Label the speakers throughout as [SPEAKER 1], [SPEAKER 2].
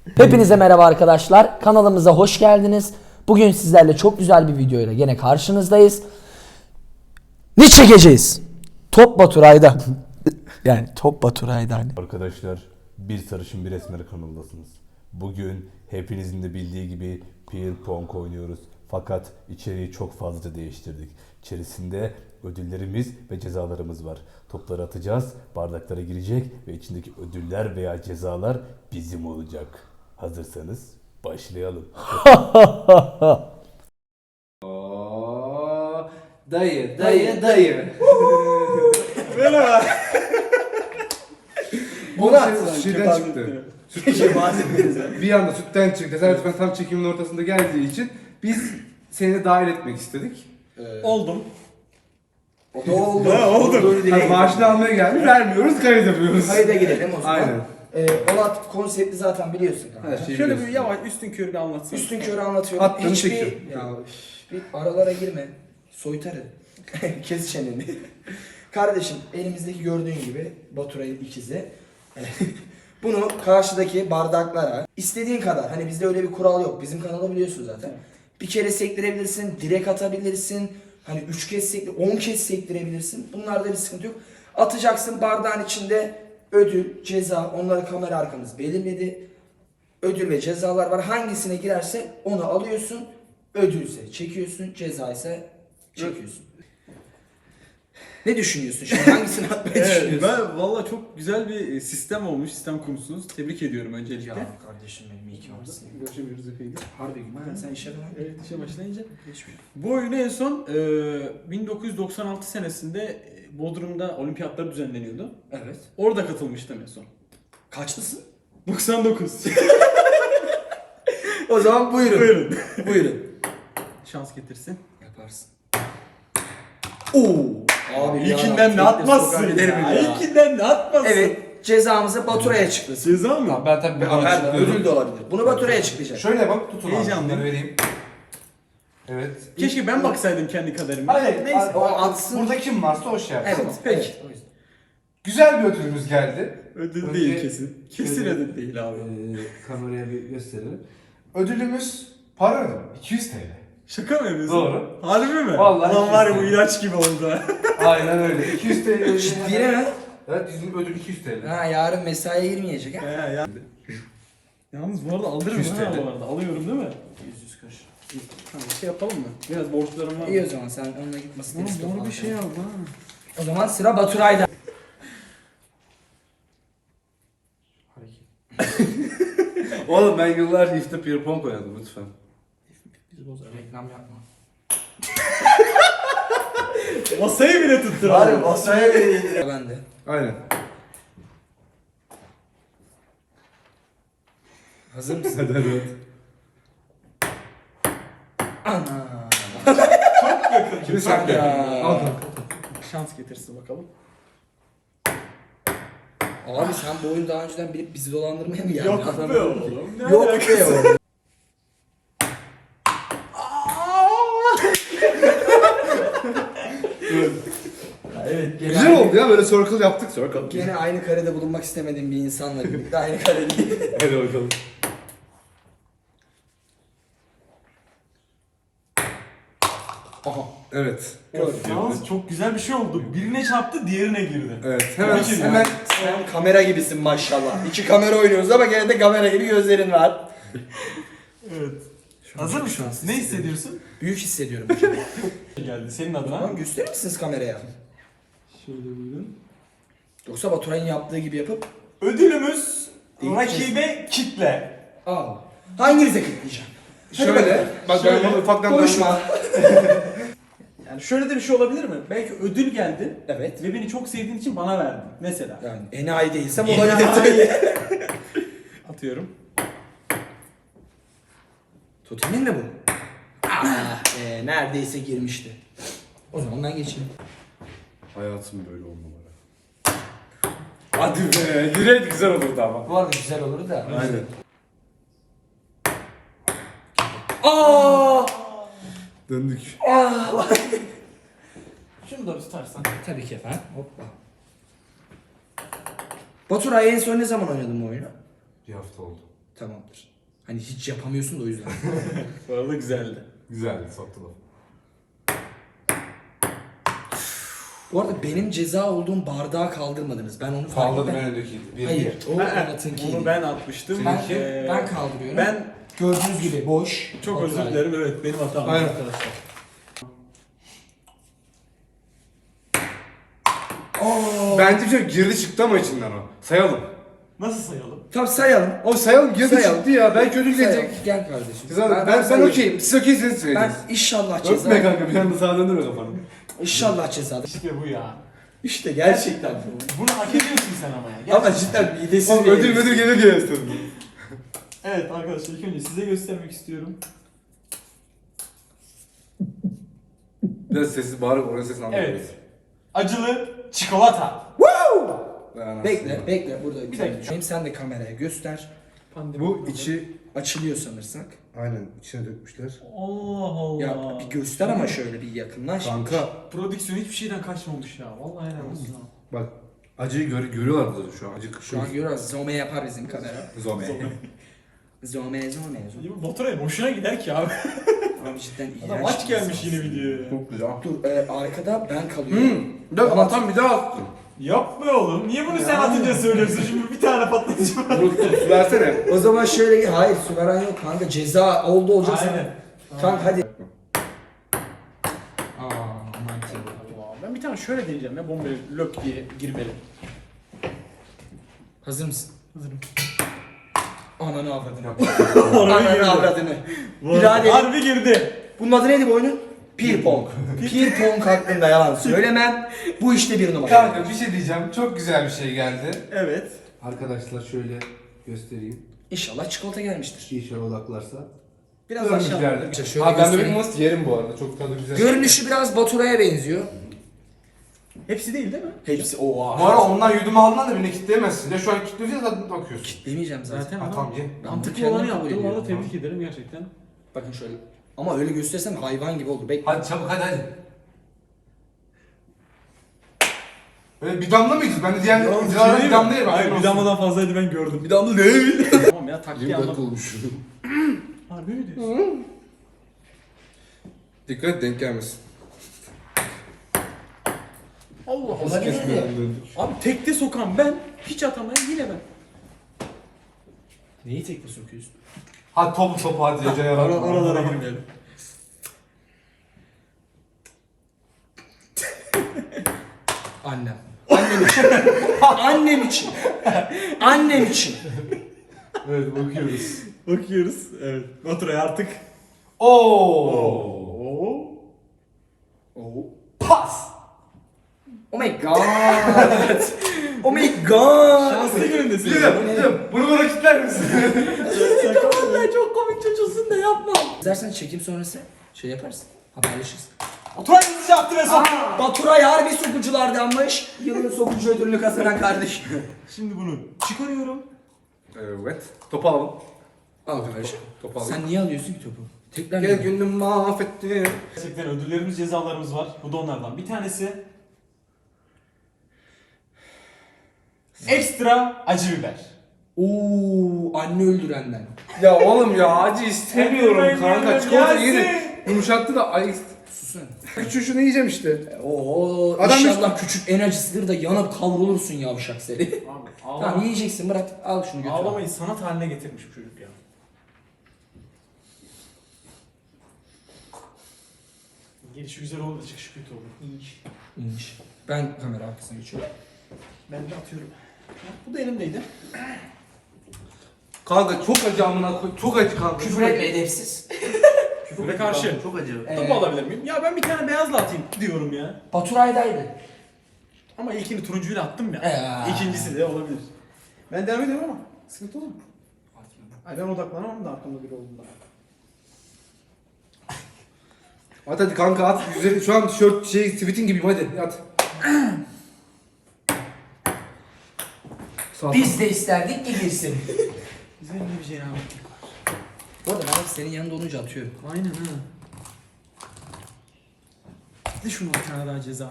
[SPEAKER 1] Hepinize merhaba arkadaşlar. Kanalımıza hoş geldiniz. Bugün sizlerle çok güzel bir videoyla gene karşınızdayız. Ne çekeceğiz? Top Baturay'da. Yani Top Baturay'da hani.
[SPEAKER 2] Arkadaşlar, bir sarışın bir esmer kanaldasınız. Bugün hepinizin de bildiği gibi Beer Pong oynuyoruz. Fakat içeriği çok fazla değiştirdik. İçerisinde ödüllerimiz ve cezalarımız var. Topları atacağız, bardaklara girecek ve içindeki ödüller veya cezalar bizim olacak. Hazırsanız başlayalım.
[SPEAKER 3] Dayı.
[SPEAKER 4] Merhaba.
[SPEAKER 3] Şeyden çıktı. Bir anda sütten çıktı. Tesadüfen tam çekimin ortasında geldiği için biz seni dahil etmek istedik.
[SPEAKER 4] Oldum.
[SPEAKER 3] Oldu.
[SPEAKER 4] Oldu.
[SPEAKER 3] Maaşını almaya geldik. Vermiyoruz, kayıt yapıyoruz.
[SPEAKER 5] Kayıda girelim o zaman.
[SPEAKER 3] Aynen.
[SPEAKER 5] Onat konsepti zaten biliyorsun kanka.
[SPEAKER 3] Her şeyi
[SPEAKER 4] Şöyle bir
[SPEAKER 3] biliyorsun.
[SPEAKER 4] yavaş üstün körü bir anlatsana.
[SPEAKER 5] Üstün körü anlatıyorum.
[SPEAKER 3] Attığını çekiyorum.
[SPEAKER 5] Ya bir aralara girme. Soytarı. Kes çeneni. Kardeşim elimizdeki gördüğün gibi Baturay'ın ikizi. Bunu karşıdaki bardaklara istediğin kadar, hani bizde öyle bir kural yok. Bizim kanalı biliyorsun zaten. Bir kere sektirebilirsin, direkt atabilirsin. Hani 3 kez sektir, 10 kez sektirebilirsin. Bunlarda bir sıkıntı yok. Atacaksın, bardağın içinde ödül, ceza, onları kamera arkamız belirledi. Ödül ve cezalar var. Hangisine girerse onu alıyorsun. Ödülse çekiyorsun, ceza ise çekiyorsun. Ne düşünüyorsun şimdi? Hangisini atmayı düşünüyorsun?
[SPEAKER 4] Ben valla çok güzel bir sistem olmuş, sistem kurmuşsunuz. Tebrik ediyorum öncelikle.
[SPEAKER 5] Ya kardeşim benim iyi ki varsın.
[SPEAKER 4] Görüşemiyoruz epeydir.
[SPEAKER 5] Harbi gün. Sen işe falan.
[SPEAKER 4] Evet, işe başlayınca.
[SPEAKER 5] Geçmiyor.
[SPEAKER 4] Bu oyunu en son 1996 senesinde Bodrum'da olimpiyatlar düzenleniyordu.
[SPEAKER 5] Evet.
[SPEAKER 4] Orada katılmıştım en son.
[SPEAKER 5] Kaçlısın?
[SPEAKER 4] 99.
[SPEAKER 5] O zaman buyurun.
[SPEAKER 4] Buyurun.
[SPEAKER 5] Buyurun.
[SPEAKER 4] Şans getirsin.
[SPEAKER 5] Yaparsın. Oo. Abi
[SPEAKER 4] İlkinden ne atmazsın ya. İlkinden ne atmazsın.
[SPEAKER 5] Evet. Cezamızı Baturay'a açıklasın.
[SPEAKER 4] Ceza mı?
[SPEAKER 3] Ben tabii
[SPEAKER 5] Ödül de olabilir. Bunu Baturay'a açıklayacak.
[SPEAKER 3] Şöyle bak, tutun abi.
[SPEAKER 4] Heyecanlıyım.
[SPEAKER 3] Şunları vereyim. Evet.
[SPEAKER 4] Keşke ben baksaydım kendi kaderime.
[SPEAKER 3] Hayır,
[SPEAKER 4] Neyse.
[SPEAKER 5] O atsın.
[SPEAKER 3] Burada kim varsa o şey yapsın.
[SPEAKER 5] Evet.
[SPEAKER 4] Peki.
[SPEAKER 5] Evet, o yüzden.
[SPEAKER 3] Güzel bir ödülümüz geldi.
[SPEAKER 4] Ödül
[SPEAKER 3] Önce-
[SPEAKER 4] değil kesin. Kesin ödül değil abi.
[SPEAKER 3] Kameraya bir gösterelim. Ödülümüz para ödülü. 200 TL.
[SPEAKER 4] Şaka mı yapıyorsun?
[SPEAKER 3] Doğru.
[SPEAKER 4] Harbi mi?
[SPEAKER 3] Vallahi
[SPEAKER 4] Lan var ya bu
[SPEAKER 3] kesin.
[SPEAKER 4] ilaç gibi oldu.
[SPEAKER 3] Aynen öyle. 200 TL.
[SPEAKER 5] Ciddi mi?
[SPEAKER 3] Evet, bizim ödül 200 TL.
[SPEAKER 5] Ha, yarın mesaiye girmeyecek ha.
[SPEAKER 4] ya. Yalnız bu arada alırım
[SPEAKER 3] 200
[SPEAKER 4] ha
[SPEAKER 3] TL.
[SPEAKER 4] bu arada. Alıyorum değil mi?
[SPEAKER 5] 100 kuruş.
[SPEAKER 4] Tamam, bir şey yapalım mı? Biraz borçlarım var.
[SPEAKER 5] İyi o zaman sen onunla gitmesin.
[SPEAKER 4] Oğlum doğru bir şey al ha.
[SPEAKER 5] O zaman sıra Baturay'da.
[SPEAKER 3] Oğlum ben yıllarca işte Beer Pong oynadım lütfen.
[SPEAKER 5] Biz bozar. Reklam yapma.
[SPEAKER 4] Masayı bile tuttur
[SPEAKER 5] Bari
[SPEAKER 4] abi.
[SPEAKER 5] masaya vereyim. Ben de.
[SPEAKER 3] Aynen.
[SPEAKER 5] Hazır mısın?
[SPEAKER 3] Hadi hadi.
[SPEAKER 5] Ana.
[SPEAKER 3] Kimi sakla?
[SPEAKER 5] Ya.
[SPEAKER 3] Al.
[SPEAKER 4] Şans getirsin bakalım.
[SPEAKER 5] Abi sen bu oyunu daha önceden bilip bizi dolandırmaya mı geldin?
[SPEAKER 4] Yok
[SPEAKER 5] Adam-
[SPEAKER 4] be oğlum. Ne
[SPEAKER 5] Yok
[SPEAKER 4] alakası
[SPEAKER 5] be
[SPEAKER 4] var?
[SPEAKER 5] oğlum. Evet.
[SPEAKER 3] Güzel oldu ya, böyle circle yaptık. Circle.
[SPEAKER 5] Gene aynı karede bulunmak istemediğim bir insanla birlikte aynı karedeyiz.
[SPEAKER 3] Hadi bakalım.
[SPEAKER 5] Aha.
[SPEAKER 3] Evet.
[SPEAKER 4] Yalnız çok güzel bir şey oldu. Birine çarptı, diğerine girdi.
[SPEAKER 3] Evet. Hemen
[SPEAKER 4] Peki,
[SPEAKER 3] hemen
[SPEAKER 5] Sen kamera gibisin maşallah. İki kamera oynuyoruz ama gene de kamera gibi gözlerin var.
[SPEAKER 4] Evet. Hazır mısın? Ne hissediyorsun?
[SPEAKER 5] Büyük hissediyorum.
[SPEAKER 4] Geldi senin adına.
[SPEAKER 5] Tamam, gösterir misiniz kameraya?
[SPEAKER 4] Şöyle buyurun.
[SPEAKER 5] Yoksa Baturay'ın yaptığı gibi yapıp
[SPEAKER 4] Ödülümüz
[SPEAKER 5] İlk
[SPEAKER 4] rakibe kitle.
[SPEAKER 5] al. Hanginize kilitleyeceğim?
[SPEAKER 3] şöyle. Bak ben bunu ufaktan
[SPEAKER 5] Konuşma.
[SPEAKER 4] Yani şöyle de bir şey olabilir mi? Belki ödül geldi
[SPEAKER 5] Evet.
[SPEAKER 4] ve beni çok sevdiğin için bana verdin. Mesela.
[SPEAKER 5] Yani enayi değilsem
[SPEAKER 4] Enayi.
[SPEAKER 5] olabilir.
[SPEAKER 4] Atıyorum.
[SPEAKER 5] Totemin mi bu? Ah neredeyse girmişti. O zaman ben geçeyim.
[SPEAKER 3] Hayatım böyle olmamalı. Hadi be. Direkt güzel olurdu ama.
[SPEAKER 5] Bu arada güzel olur da.
[SPEAKER 3] Aynen.
[SPEAKER 5] Aa!
[SPEAKER 3] Döndük.
[SPEAKER 4] Şunu da tutarsan.
[SPEAKER 5] Tabii ki efendim. Hoppa. Baturay en son ne zaman oynadın bu oyunu?
[SPEAKER 3] Bir hafta oldu.
[SPEAKER 5] Tamamdır. Hani hiç yapamıyorsun da o yüzden.
[SPEAKER 4] Bu arada güzeldi.
[SPEAKER 2] Güzeldi, soktu laf.
[SPEAKER 5] Bu arada benim ceza olduğum bardağı kaldırmadınız. Ben onu fark
[SPEAKER 3] Pahalı
[SPEAKER 5] ettim.
[SPEAKER 3] ben öndekiydi. Bir
[SPEAKER 5] Hayır, o
[SPEAKER 4] Onu
[SPEAKER 5] Onat'ınkiydi.
[SPEAKER 4] ben atmıştım.
[SPEAKER 5] Ben kaldırıyorum.
[SPEAKER 4] Ben
[SPEAKER 5] Gördüğünüz gibi boş.
[SPEAKER 4] çok özür
[SPEAKER 5] Baturay.
[SPEAKER 4] dilerim. Evet, benim hatam
[SPEAKER 3] Aynen.
[SPEAKER 4] arkadaşlar.
[SPEAKER 3] Bence bir şey girdi çıktı ama içinden o. Sayalım.
[SPEAKER 4] Nasıl sayalım?
[SPEAKER 5] Tamam sayalım.
[SPEAKER 3] O sayalım girdi
[SPEAKER 5] Sayalım.
[SPEAKER 3] çıktı ya. Belki ödül
[SPEAKER 5] Sayalım.
[SPEAKER 3] gelecek.
[SPEAKER 5] Gel kardeşim.
[SPEAKER 3] Ben
[SPEAKER 5] sayıyorum.
[SPEAKER 3] okeyim. Siz okeyseniz
[SPEAKER 5] Ben
[SPEAKER 3] söyleyeceğiz.
[SPEAKER 5] inşallah ceza.
[SPEAKER 3] Öpme kanka bir anda sağa döndürme kafanı.
[SPEAKER 5] İnşallah ceza.
[SPEAKER 4] İşte bu ya.
[SPEAKER 5] İşte gerçekten bu.
[SPEAKER 4] Bunu hak ediyorsun sen ama ya.
[SPEAKER 5] Ama cidden midesiz
[SPEAKER 3] Oğlum
[SPEAKER 5] bir
[SPEAKER 3] ödül gelir diye istedim.
[SPEAKER 4] Evet arkadaşlar, ilk önce size göstermek istiyorum.
[SPEAKER 3] Biraz sessiz bağırıp oranın sesini anlamıyorum.
[SPEAKER 4] Evet. Acılı çikolata.
[SPEAKER 5] Bekle burada.
[SPEAKER 4] Bir dakika.
[SPEAKER 5] Hem sen de kameraya göster.
[SPEAKER 3] Bu içi
[SPEAKER 5] Açılıyor sanırsak.
[SPEAKER 3] aynen içine dökmüşler.
[SPEAKER 4] Allah Allah.
[SPEAKER 5] Ya bir göster ama şöyle bir yakınlaş.
[SPEAKER 3] Kanka
[SPEAKER 4] Prodüksiyon hiçbir şeyden kaçmamış ya. Vallahi helal olsun ha.
[SPEAKER 3] bak acıyı görüyorlar burada şu an. Acı
[SPEAKER 5] Şu an görüyoruz. Zoome yapar bizim kamera.
[SPEAKER 3] Zome.
[SPEAKER 5] Zoome.
[SPEAKER 4] Bu Baturay'a boşuna gider ki abi.
[SPEAKER 5] Abi cidden iğrenç.
[SPEAKER 4] Adam aç
[SPEAKER 5] bir
[SPEAKER 4] gelmiş
[SPEAKER 5] insansın.
[SPEAKER 4] yine videoya.
[SPEAKER 3] Çok güzel.
[SPEAKER 5] Dur arkada ben kalıyorum.
[SPEAKER 3] Bir dakika atan bir daha attın.
[SPEAKER 4] Yapma oğlum. Niye bunu sen atınca söylüyorsun? Şimdi bir tane patlatacağım.
[SPEAKER 3] Unuttum su versene.
[SPEAKER 5] O zaman şöyle hayır su veren yok kanka ceza oldu olacak sana.
[SPEAKER 4] Aynen.
[SPEAKER 5] Kanka hadi.
[SPEAKER 4] Ben bir tane şöyle deneyeceğim ya. Bombayı lök diye girmeli.
[SPEAKER 5] Hazır mısın?
[SPEAKER 4] Hazırım.
[SPEAKER 5] Ananı avradını.
[SPEAKER 4] Harbi
[SPEAKER 5] Ananı
[SPEAKER 4] girdi.
[SPEAKER 5] avradını. Birader.
[SPEAKER 4] Harbi girdi.
[SPEAKER 5] Bunun adı neydi bu oyunun? Pir pong. Pir pong hakkında yalan söylemem. Bu işte bir numara.
[SPEAKER 3] Kanka bir şey diyeceğim. Çok güzel bir şey geldi.
[SPEAKER 4] Evet.
[SPEAKER 3] Arkadaşlar şöyle göstereyim.
[SPEAKER 5] İnşallah çikolata gelmiştir.
[SPEAKER 3] İnşallah odaklarsa.
[SPEAKER 5] Biraz aşağı.
[SPEAKER 3] Görmüşlerdir.
[SPEAKER 5] İşte şöyle
[SPEAKER 3] Abi ben
[SPEAKER 5] göstereyim.
[SPEAKER 3] bebek mast yerim bu arada. Çok tadı güzel.
[SPEAKER 5] Görünüşü biraz Baturay'a benziyor.
[SPEAKER 4] Hepsi değil mi?
[SPEAKER 5] Hepsi
[SPEAKER 3] Bu
[SPEAKER 5] oha.
[SPEAKER 3] ara ondan yudum aldığında da beni kitleyemezsin. Ya şu an kilitliyorsun ya zaten bakıyorsun.
[SPEAKER 5] Demeyeceğim zaten.
[SPEAKER 4] Zaten
[SPEAKER 3] Ha
[SPEAKER 4] adam
[SPEAKER 3] tamam ye.
[SPEAKER 4] mantıklı
[SPEAKER 5] Kendim
[SPEAKER 4] olanı
[SPEAKER 5] kabul
[SPEAKER 4] yaptı. Bu
[SPEAKER 5] ediyorum.
[SPEAKER 4] arada tebrik ederim gerçekten.
[SPEAKER 5] Bakın şöyle. Ama öyle göstersem hayvan gibi oldu. Bekle.
[SPEAKER 3] Hadi çabuk hadi. Öyle bir damla mıydı? Ben de diğer videolarda bir damla yerim.
[SPEAKER 4] Hayır, bir damladan fazlaydı, ben gördüm.
[SPEAKER 5] Bir damla ne?
[SPEAKER 4] Tamam ya, taktiği anladım.
[SPEAKER 3] olmuş.
[SPEAKER 4] Harbi mi diyorsun?
[SPEAKER 3] Dikkat et denk gelmesin.
[SPEAKER 4] Allah Allah.
[SPEAKER 5] Olabilir.
[SPEAKER 4] Abi tekte sokan ben, hiç atamayan yine ben.
[SPEAKER 5] Neyi tekme sokuyorsun?
[SPEAKER 3] Hadi topu hadi Ece yarar.
[SPEAKER 4] Oralara girmeyelim.
[SPEAKER 5] Annem. Annem için. Annem için. Annem için.
[SPEAKER 3] Evet bakıyoruz.
[SPEAKER 4] Bakıyoruz. Evet. Baturay artık.
[SPEAKER 3] Oo.
[SPEAKER 5] Oh.
[SPEAKER 3] Pas.
[SPEAKER 5] Oh my god. Oh my god.
[SPEAKER 4] Şanslı günündesin.
[SPEAKER 3] Biliyorum. Bunu bana kitler misin?
[SPEAKER 5] Vallahi çok komik çocuğusun da yapma. İstersen çekim sonrası şey yaparsın. Haberleşiriz.
[SPEAKER 4] Baturay bizi yaptı ve soktu.
[SPEAKER 5] Baturay harbi sokuculardanmış. Yılın sokucu ödülünü kazanan kardeş.
[SPEAKER 4] Şimdi bunu çıkarıyorum.
[SPEAKER 3] Evet. Topu alalım.
[SPEAKER 5] Al kardeşim.
[SPEAKER 3] Topu alalım.
[SPEAKER 5] Sen niye alıyorsun ki topu? Tekrar
[SPEAKER 3] Gel günüm mahvettim.
[SPEAKER 4] Gerçekten ödüllerimiz, cezalarımız var. Bu da onlardan bir tanesi. Ekstra acı biber.
[SPEAKER 5] Oo, anne öldürenden.
[SPEAKER 3] Ya oğlum ya acı istemiyorum
[SPEAKER 4] Yemin
[SPEAKER 3] kanka.
[SPEAKER 4] ediyorum,
[SPEAKER 3] Çikolata
[SPEAKER 4] Yasin.
[SPEAKER 3] yedi. Yumuşattı da ay
[SPEAKER 5] Susun.
[SPEAKER 3] küçük şunu yiyeceğim işte.
[SPEAKER 5] Oo,
[SPEAKER 3] Adam
[SPEAKER 5] inşallah küçük en acısıdır da yanıp kavrulursun yavşak seni.
[SPEAKER 4] Abi
[SPEAKER 5] Tamam yiyeceksin bırak al şunu götür.
[SPEAKER 4] Ağlamayı sanat haline getirmiş bu çocuk ya. Gelişi güzel oldu, çıkışı kötü oldu.
[SPEAKER 5] İyiymiş. Ben kamera arkasına geçiyorum.
[SPEAKER 4] Ben de atıyorum. Bu da elimdeydi.
[SPEAKER 3] Kanka çok acı amına koy. Çok acı kanka.
[SPEAKER 5] Küfür etme edepsiz.
[SPEAKER 4] Ve karşı.
[SPEAKER 3] Çok acı.
[SPEAKER 4] Topu alabilir miyim? Ya ben bir tane beyazla atayım diyorum ya.
[SPEAKER 5] Baturay'daydı.
[SPEAKER 4] Ama ilkini turuncuyla attım ya.
[SPEAKER 5] Ya.
[SPEAKER 4] İkincisi de olabilir. Ben devam ediyorum ama sıkıntı olur mu? Ay ben odaklanamam da arkamda biri olduğunda.
[SPEAKER 3] At hadi kanka at. Üzeri, şu an tişört tweetin gibiyim hadi at. Sağ ol.
[SPEAKER 5] Biz de isterdik ki girsin.
[SPEAKER 4] Güzel bir cenabetlik var.
[SPEAKER 5] Bu arada ben hep senin yanında olunca atıyorum.
[SPEAKER 4] Aynen ha. De şunu bir tane daha ceza.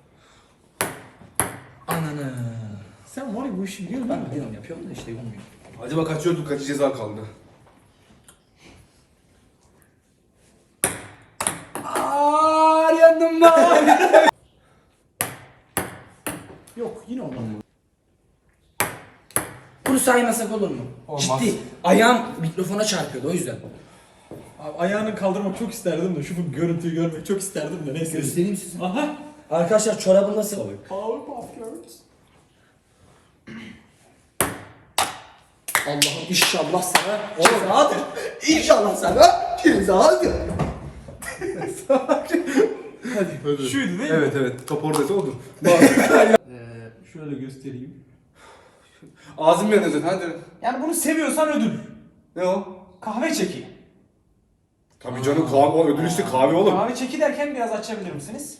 [SPEAKER 5] Ananı.
[SPEAKER 4] Sen var ya bu işi biliyor musun?
[SPEAKER 5] Ben biliyorum yapıyorum da işte olmuyor.
[SPEAKER 3] Acaba kaçıyorduk, kaç ceza kaldı?
[SPEAKER 5] Aaaa yandım ben.
[SPEAKER 4] Yok yine olmadı.
[SPEAKER 5] Bunu saymasak olur mu?
[SPEAKER 3] Olmaz.
[SPEAKER 5] Ciddi. Ayağım mikrofona çarpıyordu o yüzden.
[SPEAKER 4] Abi ayağını kaldırmak çok isterdim de şu görüntüyü görmek çok isterdim de neyse.
[SPEAKER 5] Göstereyim size.
[SPEAKER 4] Aha.
[SPEAKER 5] Arkadaşlar çorabı nasıl?
[SPEAKER 4] Powerpuff Girls.
[SPEAKER 5] Allah'ım inşallah sana cezadır. İnşallah sana cezadır.
[SPEAKER 4] Şuydu değil mi?
[SPEAKER 3] Evet evet, top oradaysa odur.
[SPEAKER 4] Şöyle göstereyim.
[SPEAKER 3] Ağzım yanıyor zaten, hadi.
[SPEAKER 4] Yani bunu seviyorsan ödül.
[SPEAKER 3] Ne o?
[SPEAKER 4] Kahve çeki.
[SPEAKER 3] Tabii canım, kahve, o ödül işte kahve oğlum.
[SPEAKER 4] Kahve çeki derken biraz açabilir misiniz?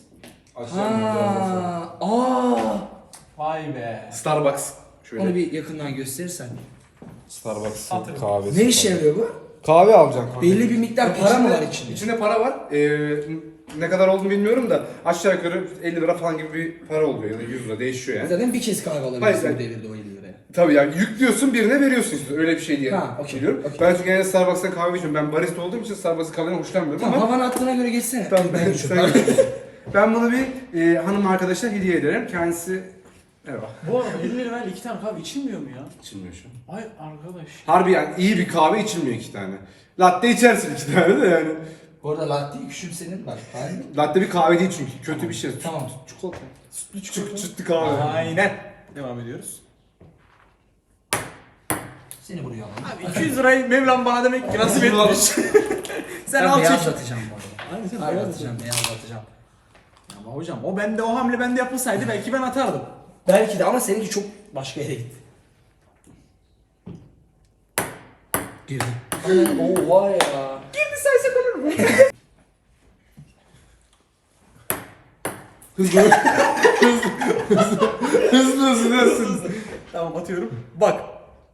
[SPEAKER 5] Aa.
[SPEAKER 4] Vay be.
[SPEAKER 3] Starbucks. Şöyle.
[SPEAKER 5] Onu bir yakından gösterirsen.
[SPEAKER 3] Starbucks
[SPEAKER 4] Satırım.
[SPEAKER 3] kahvesi.
[SPEAKER 5] Ne işe yarıyor bu?
[SPEAKER 3] Kahve alacaksın. Kahve.
[SPEAKER 5] Belli bir miktar para mı var içinde?
[SPEAKER 3] İçinde para var. Ne kadar olduğunu bilmiyorum da aşağı yukarı 50 lira falan gibi bir para oluyor ya da 100 lira, değişiyor yani.
[SPEAKER 5] Zaten bir kez kahve
[SPEAKER 3] Hayır,
[SPEAKER 5] alabilirsin
[SPEAKER 3] ben-
[SPEAKER 5] bu devirde o 50 liraya.
[SPEAKER 3] Tabii yani yüklüyorsun, birine veriyorsun işte, öyle bir şey diye
[SPEAKER 5] Ha, okey,
[SPEAKER 3] biliyorum.
[SPEAKER 5] okey.
[SPEAKER 3] Ben çünkü genelde Starbucks'tan kahve içiyorum. Ben barista olduğum için Starbucks'ın kahveden hoşlanmıyorum
[SPEAKER 5] Tamam
[SPEAKER 3] ama
[SPEAKER 5] havan attığına göre geçsene.
[SPEAKER 3] Tamam,
[SPEAKER 5] Ben
[SPEAKER 3] ben,
[SPEAKER 5] geçiyorum.
[SPEAKER 3] ben bunu bir hanım arkadaşa hediye ederim. Kendisi merhaba.
[SPEAKER 4] Bu arada 50 lirayla 2 tane kahve içilmiyor mu ya?
[SPEAKER 3] İçilmiyor şu an.
[SPEAKER 4] Ay arkadaş.
[SPEAKER 3] Harbi yani iyi bir kahve içilmiyor 2 tane. Latte içersin 2 tane de yani.
[SPEAKER 5] Bu arada latteyi küçümsenin bak. Ben...
[SPEAKER 3] Latte bir kahve değil çünkü. Kötü bir şey.
[SPEAKER 5] Tamam.
[SPEAKER 3] Çikolata. Sütlü kahve.
[SPEAKER 4] Aynen. Devam ediyoruz.
[SPEAKER 5] Seni buraya alalım.
[SPEAKER 4] Abi 200 lirayı Mevlam bana demek ki nasip etmiş. Sen
[SPEAKER 5] Ben
[SPEAKER 4] al çek.
[SPEAKER 5] beyazlatacağım bu arada.
[SPEAKER 4] Aynen sen
[SPEAKER 5] Beyazlatacağım, beyazlatacağım.
[SPEAKER 4] Ama hocam o hamle bende yapılsaydı belki ben atardım.
[SPEAKER 5] Belki de ama seninki çok başka yere gitti. Girdi. Oo var ya.
[SPEAKER 4] Girdi saysak olur mu?
[SPEAKER 3] Hızlı.
[SPEAKER 4] Tamam atıyorum. Bak.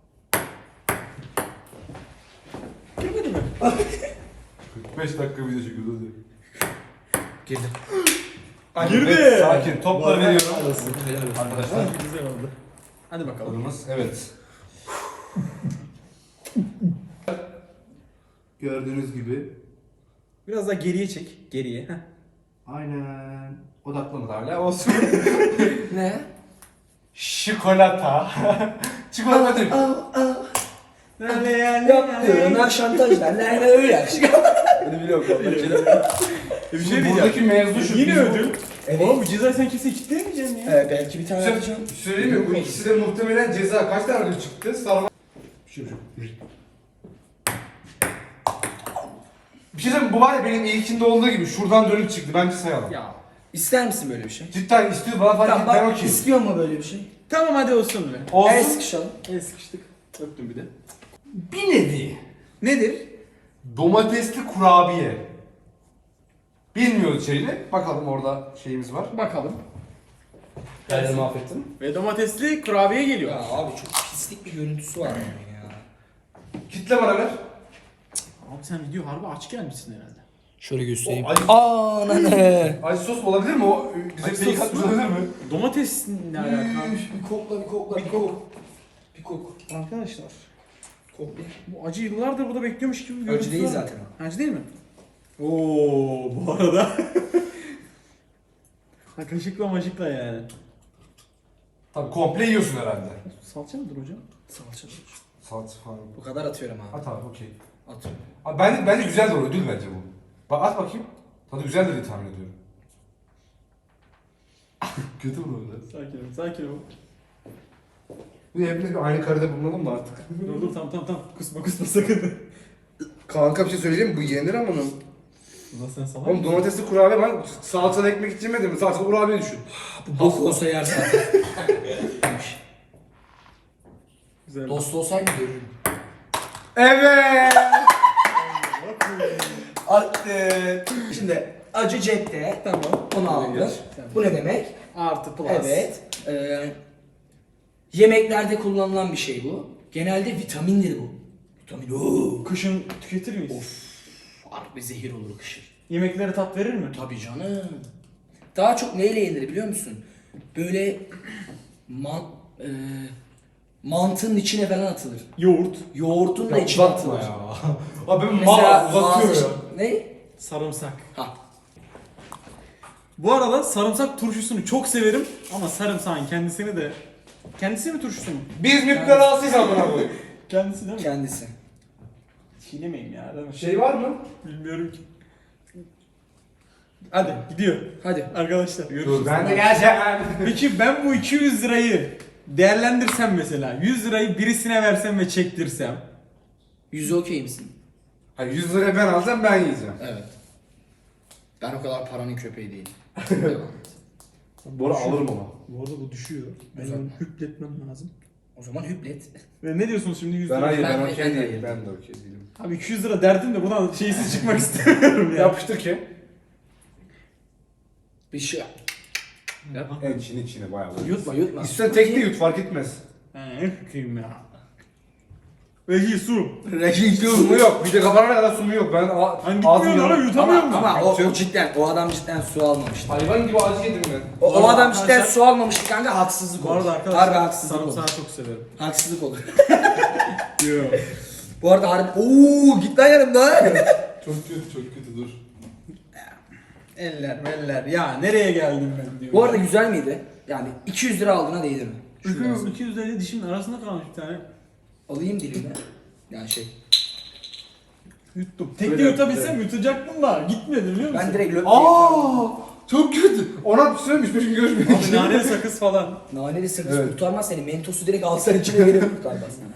[SPEAKER 4] Girmedi mi?
[SPEAKER 3] 45 dakika video çekiyoruz hadi.
[SPEAKER 5] Girdi.
[SPEAKER 4] Girdi.
[SPEAKER 3] Sakin. Topları veriyorum.
[SPEAKER 4] Arkadaşlar güzel oldu. Hadi bakalım.
[SPEAKER 3] Alımız evet. Gördüğünüz gibi.
[SPEAKER 4] Biraz daha geriye çek. Geriye. Heh.
[SPEAKER 3] Aynen. Odaklamadı hala olsun.
[SPEAKER 5] Ne?
[SPEAKER 3] Şikolata. Çikolata değil.
[SPEAKER 5] Yaptığına şantajlar. Ne öyle.
[SPEAKER 3] Hadi biliyorum vallahi.
[SPEAKER 4] Bir
[SPEAKER 3] Şimdi buradaki mevzu şu.
[SPEAKER 4] Yine
[SPEAKER 3] biz bu-
[SPEAKER 4] ödül. Oğlum bu cezayı sen kimse kitleyemeyeceksin ya.
[SPEAKER 5] Belki bir tane
[SPEAKER 3] Şey-
[SPEAKER 5] yapacağım.
[SPEAKER 3] Söyleyeyim mi? Bu ikisi de muhtemelen ceza. Kaç tane ödül çıktı? Starbucks. Bir şey söyleyeyim mi? Bu var ya benim ilkinde olduğu gibi şuradan dönüp çıktı. Bence sayalım.
[SPEAKER 4] Ya.
[SPEAKER 5] İster misin böyle bir şey?
[SPEAKER 3] Cidden istiyor bana fark et,
[SPEAKER 5] Tamam
[SPEAKER 3] ben
[SPEAKER 5] bak
[SPEAKER 3] okeyim.
[SPEAKER 5] istiyor mu böyle bir şey?
[SPEAKER 4] Tamam hadi olsun be.
[SPEAKER 3] Olsun.
[SPEAKER 5] El sıkışalım.
[SPEAKER 4] El sıkıştık. Öptüm bir de.
[SPEAKER 3] Bir nevi.
[SPEAKER 4] Nedir?
[SPEAKER 3] Domatesli kurabiye. Bilmiyoruz şeyini. Bakalım orada şeyimiz var.
[SPEAKER 4] Bakalım.
[SPEAKER 3] Kendimi mahvettim.
[SPEAKER 4] Ve domatesli kurabiye geliyor.
[SPEAKER 5] Ya abi çok pislik bir görüntüsü var bunun ya.
[SPEAKER 3] Kitle bana ver.
[SPEAKER 4] Abi sen video harbi aç gelmişsin herhalde.
[SPEAKER 5] Şöyle göstereyim.
[SPEAKER 3] O acı-
[SPEAKER 5] Aa ne?
[SPEAKER 3] Acı sos olabilir mi o? Bize
[SPEAKER 4] Acı
[SPEAKER 3] fake
[SPEAKER 4] sos
[SPEAKER 3] atmış
[SPEAKER 4] mu?
[SPEAKER 3] olabilir mi?
[SPEAKER 4] Domates ne alaka?
[SPEAKER 5] Bir kokla bir kokla bir kok. Bir kok.
[SPEAKER 4] Arkadaşlar.
[SPEAKER 5] Kok bir.
[SPEAKER 4] Bu acı yıllardır burada bekliyormuş gibi bir görüntü
[SPEAKER 5] Acı değil
[SPEAKER 4] var.
[SPEAKER 5] zaten o.
[SPEAKER 4] Acı değil mi? Oo bu arada. Ha kaşıkla maşıkla yani.
[SPEAKER 3] Tabii komple yiyorsun herhalde.
[SPEAKER 4] Salça mıdır hocam?
[SPEAKER 5] Salça.
[SPEAKER 3] Salça falan.
[SPEAKER 5] Bu kadar atıyorum abi.
[SPEAKER 3] At abi okey.
[SPEAKER 5] Atıyorum.
[SPEAKER 3] Abi bence güzel de o ödül bence bu. Bak at bakayım. Tadı güzeldir diye tahmin ediyorum. Kötü mü öyle?
[SPEAKER 4] Sakin ol, sakin ol.
[SPEAKER 3] Bir de hepimiz bir aynı karede bulunalım da artık.
[SPEAKER 4] Dur tamam. Kusma sakın.
[SPEAKER 3] Kanka bir şey söyleyeyim mi? Bu yenir ama onun.
[SPEAKER 4] Ulan sen salak
[SPEAKER 3] Oğlum domatesli kurabiye ben salçalı ekmek hiç yemedim. Salçalı kurabiye düşün.
[SPEAKER 5] Bu bok olsa yer zaten.
[SPEAKER 4] Güzel.
[SPEAKER 5] Dost olsaydı görürdüm.
[SPEAKER 3] Evet.
[SPEAKER 5] Attı. Şimdi acı cepte.
[SPEAKER 4] Tamam.
[SPEAKER 5] Onu aldık. Bu ne demek?
[SPEAKER 4] Artı plus.
[SPEAKER 5] Evet. Yemeklerde kullanılan bir şey bu. Genelde vitamindir bu. Vitamin. Oo.
[SPEAKER 4] Kışın tüketir miyiz?
[SPEAKER 5] Of. Harbi zehir olur kışın.
[SPEAKER 4] Yemeklere tat verir mi?
[SPEAKER 5] Tabii canım. Daha çok neyle yenir biliyor musun? Böyle Mantının içine falan atılır.
[SPEAKER 4] Yoğurt,
[SPEAKER 5] Yoğurtun da içine
[SPEAKER 3] Uzatma
[SPEAKER 5] atılır.
[SPEAKER 3] ya. Abi ben
[SPEAKER 5] Mesela
[SPEAKER 3] uzatıyor
[SPEAKER 5] bazı
[SPEAKER 3] ya.
[SPEAKER 5] ne?
[SPEAKER 4] sarımsak.
[SPEAKER 5] Ha.
[SPEAKER 4] Bu arada sarımsak turşusunu çok severim ama sarımsağın kendisi mi turşusu mu?
[SPEAKER 3] Biz müptelasıyız amına koyayım.
[SPEAKER 4] Kendisi değil mi?
[SPEAKER 5] Kendisi.
[SPEAKER 4] Çiğnemeyim ya değil mi?
[SPEAKER 3] Şey var mı?
[SPEAKER 4] Bilmiyorum ki. Hadi gidiyor.
[SPEAKER 5] Hadi.
[SPEAKER 4] Arkadaşlar görüşürüz.
[SPEAKER 3] Dur ben de geleceğim.
[SPEAKER 4] Peki ben bu 200 lirayı değerlendirsem mesela 100 lirayı birisine versem ve çektirsem.
[SPEAKER 5] 100'e okey misin?
[SPEAKER 3] Ha 100 liraya ben alacağım ben yiyeceğim.
[SPEAKER 5] Evet. Ben o kadar paranın köpeği değilim. Devam et.
[SPEAKER 3] Bora alırım ama.
[SPEAKER 4] Bu arada bu düşüyor.
[SPEAKER 5] Benim
[SPEAKER 4] Benim hüpletmem lazım.
[SPEAKER 5] O zaman hüplet.
[SPEAKER 4] Ve ne diyorsunuz şimdi 100
[SPEAKER 3] Ben
[SPEAKER 4] lira?
[SPEAKER 3] hayır ben
[SPEAKER 5] Ben de
[SPEAKER 3] okey değilim.
[SPEAKER 5] hayır.
[SPEAKER 3] Ben de okey değilim.
[SPEAKER 4] Abi 200 lira derdim de buradan şeysiz çıkmak istemiyorum ya.
[SPEAKER 3] Yapıştır ki.
[SPEAKER 5] Bir şey.
[SPEAKER 3] En içine bayağı böyle.
[SPEAKER 5] Yutma yutma.
[SPEAKER 3] İstersen tek de yut fark etmez.
[SPEAKER 4] He, kıyım ya. Vehi su.
[SPEAKER 3] Sumu yok. Bir de kafana kadar sumu yok. Ben
[SPEAKER 4] Hani gitmiyor lan yutamıyorum ben.
[SPEAKER 5] Ama o cidden o adam cidden su almamıştı.
[SPEAKER 3] Hayvan gibi acı yedim ben.
[SPEAKER 5] O adam cidden
[SPEAKER 4] Arkadaşlar-
[SPEAKER 5] su almamıştı kanka, haksızlık
[SPEAKER 4] Bu
[SPEAKER 5] olur.
[SPEAKER 4] arada
[SPEAKER 5] Harbi
[SPEAKER 4] arkadaşlar
[SPEAKER 5] haksızlık olur.
[SPEAKER 4] sarımsağı çok severim.
[SPEAKER 5] Haksızlık olur.
[SPEAKER 4] Yok.
[SPEAKER 5] Bu arada harbi ooo git lan yanımda.
[SPEAKER 3] Çok kötü dur.
[SPEAKER 4] Eller. Ya nereye geldim ben diyor.
[SPEAKER 5] Bu arada güzel miydi? Yani 200 lira aldığına değdi mi? Şuradan sonra.
[SPEAKER 4] 200 lirayla dişimin arasında kalmış bir tane.
[SPEAKER 5] Alayım dilimi. Yani şey.
[SPEAKER 4] Yuttum. Tek de
[SPEAKER 3] Öyle,
[SPEAKER 4] yutabilsem yutacaktım da gitmedi biliyor musun?
[SPEAKER 5] Ben direkt löp
[SPEAKER 3] Çok kötü. Ona bir söylemiş 5 gün görüşmedik.
[SPEAKER 4] Abi naneli sakız falan.
[SPEAKER 5] Naneli sakız
[SPEAKER 3] Evet.
[SPEAKER 5] kurtarmaz seni. Mentosu direkt alsan içine verir kurtarmaz.